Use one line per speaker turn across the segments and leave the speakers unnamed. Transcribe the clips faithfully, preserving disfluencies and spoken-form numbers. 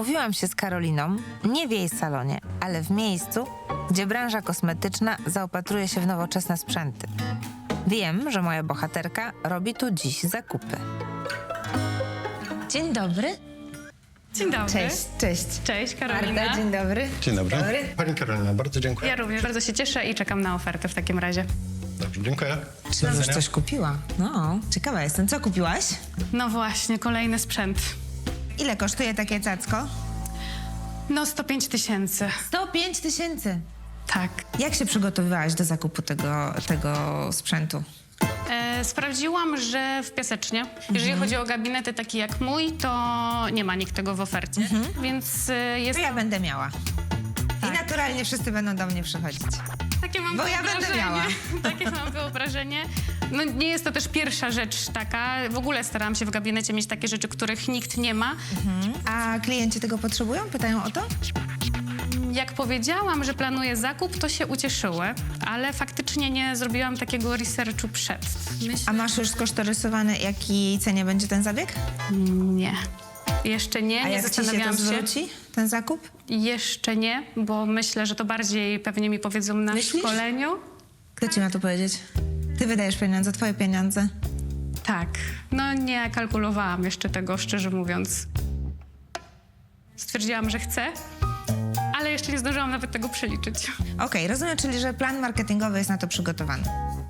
Umówiłam się z Karoliną, nie w jej salonie, ale w miejscu, gdzie branża kosmetyczna zaopatruje się w nowoczesne sprzęty. Wiem, że moja bohaterka robi tu dziś zakupy. Dzień dobry.
Dzień dobry.
Cześć, cześć.
Cześć, Karolina.
Marta, dzień dobry.
Dzień dobry.
Dobry.
Pani Karolina, bardzo dziękuję.
Ja również bardzo się cieszę i czekam na ofertę w takim razie.
Dobrze, dziękuję.
Czy już coś kupiła? No, ciekawa jestem. Co kupiłaś?
No właśnie, kolejny sprzęt.
Ile kosztuje takie cacko?
No sto pięć tysięcy.
sto pięć tysięcy.
Tak.
Jak się przygotowywałaś do zakupu tego, tego sprzętu?
E, sprawdziłam, że w Piasecznie, jeżeli chodzi o gabinety takie jak mój, to nie ma nikt tego w ofercie. Więc e, jest...
To ja będę miała.
Tak.
I naturalnie wszyscy będą do mnie przychodzić.
Takie mam
Bo ja będę
wyobrażenie.
miała.
Takie mam wyobrażenie. No nie jest to też pierwsza rzecz taka. W ogóle starałam się w gabinecie mieć takie rzeczy, których nikt nie ma.
A klienci tego potrzebują? Pytają o to?
Jak powiedziałam, że planuję zakup, to się ucieszyły, ale faktycznie nie zrobiłam takiego researchu przed. Myślę,
A masz już skosztorysowane, jakiej cenie będzie ten zabieg?
nie. Jeszcze nie,
A
nie
jak ci się to
zastanawiałam się.
zwróci, ten zakup?
Jeszcze nie, bo myślę, że to bardziej pewnie mi powiedzą na
Myślisz?
szkoleniu.
Kto ci ma to powiedzieć? Ty wydajesz pieniądze, twoje pieniądze.
Tak. No nie kalkulowałam jeszcze tego, szczerze mówiąc. Stwierdziłam, że chcę, ale jeszcze nie zdążyłam nawet tego przeliczyć.
Okej, rozumiem, czyli że plan marketingowy jest na to przygotowany.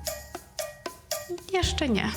Jeszcze nie.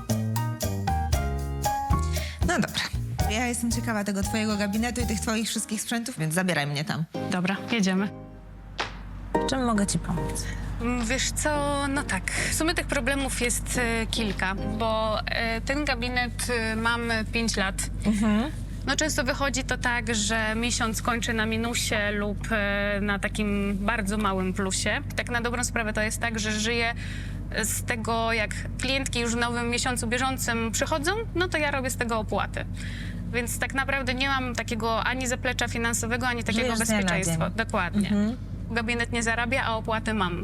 No dobra. Ja jestem ciekawa tego twojego gabinetu i tych twoich wszystkich sprzętów, więc zabieraj mnie tam.
Dobra, jedziemy.
Czym mogę ci pomóc?
Wiesz co, no tak, w sumie tych problemów jest e, kilka, bo e, ten gabinet e, mam pięć lat. No często wychodzi to tak, że miesiąc kończy na minusie lub e, na takim bardzo małym plusie. Tak na dobrą sprawę to jest tak, że żyję z tego, jak klientki już w nowym miesiącu bieżącym przychodzą, no to ja robię z tego opłaty. Więc tak naprawdę nie mam takiego ani zaplecza finansowego, ani takiego
Żyjesz z dnia na
bezpieczeństwa.
dzień.
Dokładnie. Gabinet nie zarabia, a opłaty mam.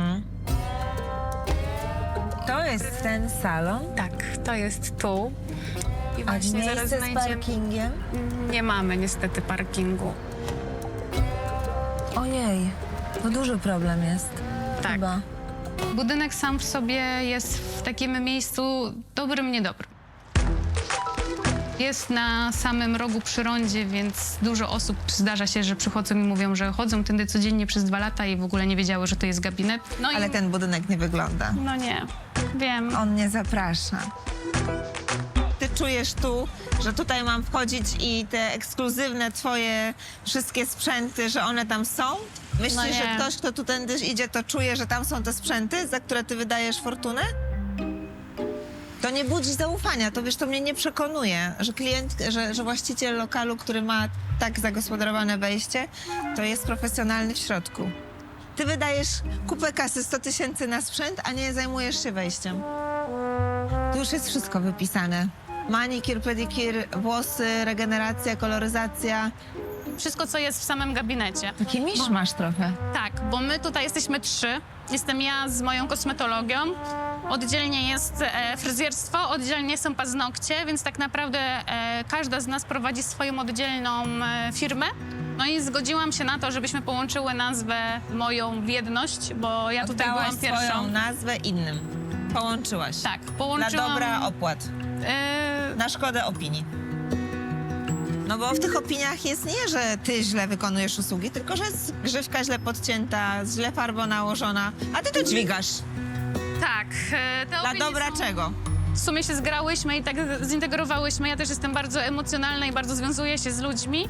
To jest ten salon.
Tak, to jest tu. I
A
właśnie zaraz
miejsce z
znajdziemy.
parkingiem?
Nie mamy niestety parkingu.
Ojej, to duży problem jest.
Tak.
Chyba.
Budynek sam w sobie jest w takim miejscu dobrym, niedobrym. Jest na samym rogu przy rondzie, więc dużo osób zdarza się, że przychodzą i mówią, że chodzą tędy codziennie przez dwa lata i w ogóle nie wiedziały, że to jest gabinet. No
Ale
i...
ten budynek nie wygląda.
No nie, wiem.
On nie zaprasza. Ty czujesz tu, że tutaj mam wchodzić i te ekskluzywne twoje wszystkie sprzęty, że one tam są? Myślisz,
No nie.
że ktoś, kto tu tędy idzie, to czuje, że tam są te sprzęty, za które ty wydajesz fortunę? To nie budzi zaufania, to wiesz, to mnie nie przekonuje, że klient, że, że właściciel lokalu, który ma tak zagospodarowane wejście, to jest profesjonalny w środku. Ty wydajesz kupę kasy, sto tysięcy na sprzęt, a nie zajmujesz się wejściem. Tu już jest wszystko wypisane. Manikir, pedikir, włosy, regeneracja, koloryzacja.
Wszystko, co jest w samym gabinecie.
Taki misz masz trochę.
Tak, bo my tutaj jesteśmy trzy. Jestem ja z moją kosmetologią. Oddzielnie jest e, fryzjerstwo, oddzielnie są paznokcie, więc tak naprawdę e, każda z nas prowadzi swoją oddzielną e, firmę. No i zgodziłam się na to, żebyśmy połączyły nazwę moją w jedność, bo ja tutaj
Oddałaś
byłam pierwszą.
swoją nazwę innym. Połączyłaś.
Tak,
Dla
połączyłam...
dobra opłat.
e,
Na szkodę opinii. No bo w tych opiniach jest nie, że ty źle wykonujesz usługi, tylko że jest grzywka źle podcięta, źle farba nałożona, a ty to dźwigasz.
tak, e, te
Dla
opinie
dobra
są...
czego?
W sumie się zgrałyśmy i tak zintegrowałyśmy. Ja też jestem bardzo emocjonalna i bardzo związuję się z ludźmi.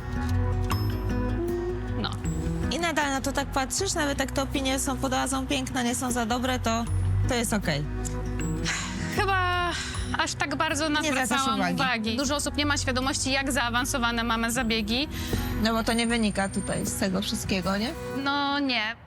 No.
I nadal na to tak patrzysz, nawet jak te opinie są pod razą piękne, nie są za dobre, to, to jest okej.
Chyba aż tak bardzo na to
Nie zwracasz
zwracałam
uwagi.
uwagi. Dużo osób nie ma świadomości, jak zaawansowane mamy zabiegi.
No bo to nie wynika tutaj z tego wszystkiego, nie?
No nie.